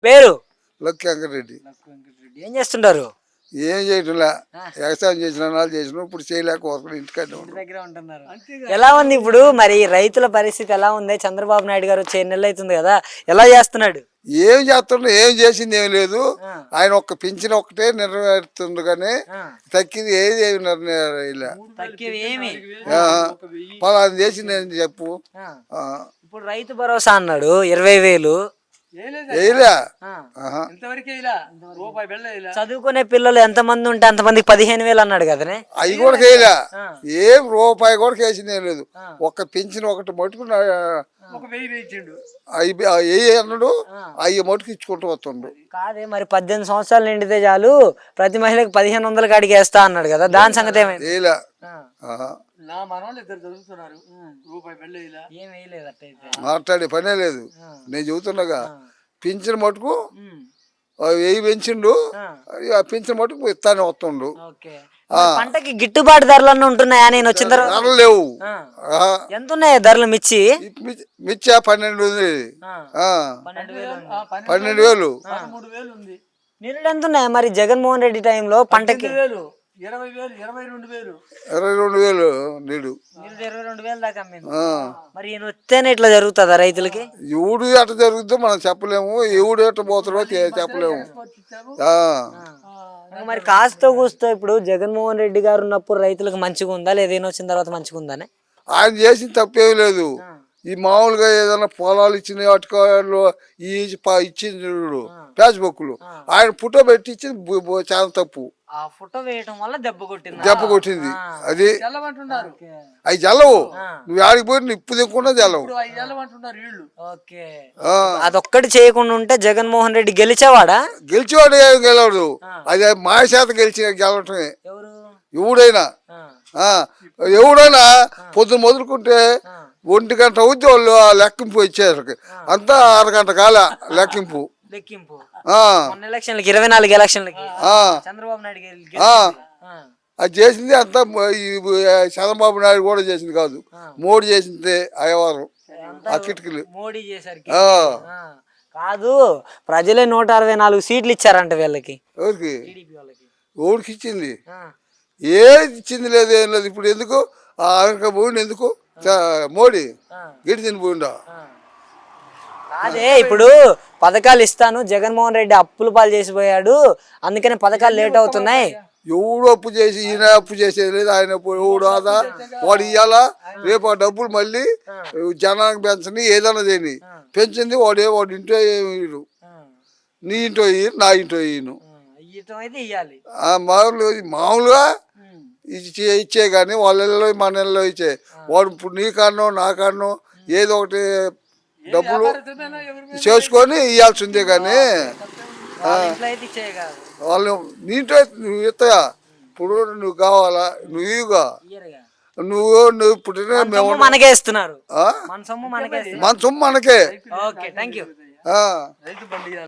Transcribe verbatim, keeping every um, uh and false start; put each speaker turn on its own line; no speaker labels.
పేరు
లక్కి వెంకటరెడ్డి.
ఏం చేస్తుంటారు?
ఏం చేయటంలా, వ్యవసాయం చేసిన వాళ్ళు చేసిన ఇప్పుడు చేయలేకపోతున్నాం, ఇంటికన్నా
దగ్గర ఉంటున్నారు. ఎలా ఉంది ఇప్పుడు మరి రైతుల పరిస్థితి ఎలా ఉంది? చంద్రబాబు నాయుడు గారు వచ్చే నెలలు అవుతుంది కదా, ఎలా చేస్తున్నాడు?
ఏం చేస్తుండ్రు, ఏం చేసింది ఏం లేదు. ఆయన ఒక్క పింఛన్ ఒక్కటే నెరవేరుతుండ్రు కానీ తక్కింది ఏది ఇలా పలానా చేసింది అని చెప్పు.
ఇప్పుడు రైతు భరోసా అన్నాడు ఇరవై వేలు చదువుకునే పిల్లలు ఎంత మంది ఉంటే అంతమందికి పదిహేను వేలు అన్నాడు కదనే,
అవి కూడా చేయలే. ఏం రూపాయి కూడా కేసింది ఏం లేదు. ఒక్క పింఛన్ ఒకటి మటుకు అవి అన్నాడు, అవి మటుకు ఇచ్చుకుంటూ వస్తుండ్రు.
కాదే మరి పద్దెనిమిది సంవత్సరాలు నిండితే చాలు ప్రతి మహిళకి పదిహేను వందల కాడికి వేస్తా అన్నాడు కదా, దాని సంగతి ఏమైంది?
మాట్లాడే పనే లేదు. నేను చెబుతున్నాగా పింఛన్ మటుకు వెయ్యి పెంచిండు, ఆ పింఛన్ మటుకు ఇస్తానే వస్తుండు.
పంటకి గిట్టుబాటు ధరలు ఉంటున్నాయా? నేను వచ్చిన తర్వాత
ధరలు లేవు.
ఎంత ఉన్నాయి ధరలు? మిర్చి
మిర్చి పన్నెండు ఉంది, పన్నెండు వేలు.
నిరుడు ఎంత ఉన్నాయా మరి జగన్మోహన్ రెడ్డి టైంలో పంటకి?
ఇరవై రెండు వేలు నీడు
ఇరవై రెండు వేలు దాకా. మరి ఈయన వస్తేనే ఇట్లా జరుగుతుందా రైతులకి?
ఎవడు ఎట్లా జరుగుతుందో మనం చెప్పలేము, ఎవడు ఎట్లా పోతాడో చెప్పలేము.
మరి కాస్తో కూస్తో ఇప్పుడు జగన్మోహన్ రెడ్డి గారు ఉన్నప్పుడు రైతులకు మంచిగా ఉందా లేదా, ఈయన వచ్చిన తర్వాత మంచిగా ఉందానే?
ఆయన చేసిన తప్పేమీ లేదు. ఈ మామూలుగా ఏదైనా పొలాలు ఇచ్చిన వాటిలో ఈ ఇచ్చింది ఫేస్బుక్లు ఆయన ఫోటో పెట్టి ఇచ్చింది చాలా తప్పు.
ఫోటో వేయటం వల్ల దెబ్బ కొట్టింది
దెబ్బ కొట్టింది అది అవి జల్లవు. నువ్వు ఆడికి పోయి నిప్పు దిక్కుండా జల్లవు.
అదొక్కటి చేయకుండా ఉంటే జగన్మోహన్ రెడ్డి గెలిచేవాడా?
గెలిచేవాడు ఏం గెలవడు, అది మాయ శాత గెలిచి గెలవటమే. ఎవడైనా ఎవడైనా పొద్దున మొదలుకుంటే ఒంటి గంట అవుద్ది వాళ్ళు లెక్కింపు ఇచ్చేసరికి అంతా అరగంట కాల లెక్కింపు.
లెక్కింపు ఇరవై నాలుగు ఎలక్షన్లకి చంద్రబాబు నాయుడు
అది చేసింది అంతా చంద్రబాబు నాయుడు కూడా చేసింది కాదు, మోడీ చేసింది అయ్యవారం ఆ కిటికీలు
మోడీ చేశారు కాదు. ప్రజలే నూట అరవై నాలుగు సీట్లు ఇచ్చారంట వీళ్ళకి.
ఎవరికి? ఓడికి ఇచ్చింది, ఏది ఇచ్చింది లేదు, ఏం లేదు. ఇప్పుడు ఎందుకు ఆయన పోయిండు, ఎందుకు మోడీ గిడి తిని పోయిండా?
అదే ఇప్పుడు పథకాలు ఇస్తాను, జగన్మోహన్ రెడ్డి అప్పుల పాలు చేసిపోయాడు, అందుకని పథకాలు లేట్ అవుతున్నాయి.
ఎవడు అప్పు చేసి ఈయన అప్పు చేసేది లేదు, ఆయన ఎవడు ఆదా వాడు ఇవ్వాలా, రేపు ఆ డబ్బులు మళ్ళీ జనానికి పెంచని ఏదైనా చేయని పెంచింది వాడే. వాడు ఇంట్లో ఏమి నీ ఇంట్లో ఇయ్యి, నా ఇంట్లో ఇయ్యను. మామూలు మామూలుగా ఇచ్చే ఇచ్చే కానీ వాళ్ళ ఇళ్ళలో మన ఇళ్ళలో ఇచ్చే. వాడు ఇప్పుడు నీ కారణం నా కారణం ఏదో ఒకటి డబ్బులు చేసుకొని ఇవ్వాల్సిందే కానీ వాళ్ళు నీంట్లో నువ్వు ఇస్తాయా. ఇప్పుడు నువ్వు కావాలా, నువ్వు ఇవ్వగా నువ్వు నువ్వు పుట్టిన మేము
మనకే ఇస్తున్నారు,
మన సొమ్ము మనకే.